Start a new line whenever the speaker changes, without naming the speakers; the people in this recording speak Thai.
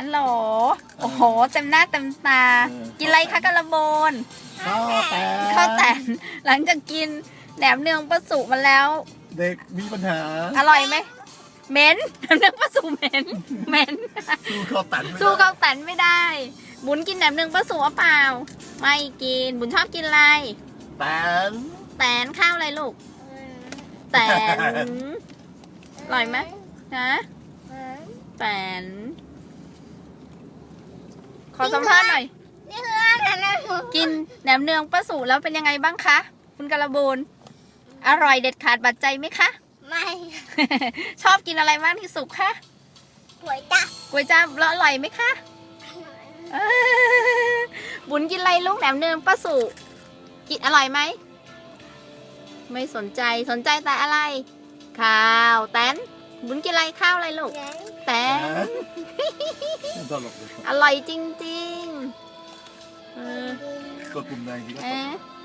ฮัลโหลโอ้โหเต็มหน้าเต็มตากินอะไรคะกะละโบน
ข้าว
แตนหลังจากกินแหนมเนืองป้าสุมาแล้ว
เด็กมีปัญหา
อร่อยไหมเหม็นแหนมเนืองป้าสุเหม็น
สู้ข้าวตัน
สู้ข้าวแตนไม่ได้บุญกินแหนมเนืองป้าสุหรือเปล่าไม่กินบุญชอบกินอะไรแตนข้าวอะไรลูกแตนอร่อยไหมนะแตนขอสัมภาษณ์หน่อยกินแหนมเนืองป้าสุแล้วเป็นยังไงบ้างคะคุณกะละบูนอร่อยเด็ดขาดบาดใจไหมคะ
ไม่
ชอบกินอะไรมากที่สุดคะ
ก๋วยจั๊บ
แล้วอร่อยไหมคะบุญกินอะไรลูกแหนมเนืองป้าสุกินอร่อยไหมไม่สนใจแต่อะไรข้าวแตนบุญกินอะไรข้าวอะไรลูกแตนอร่อยจริงๆ
กดปุ่มไหนดีก็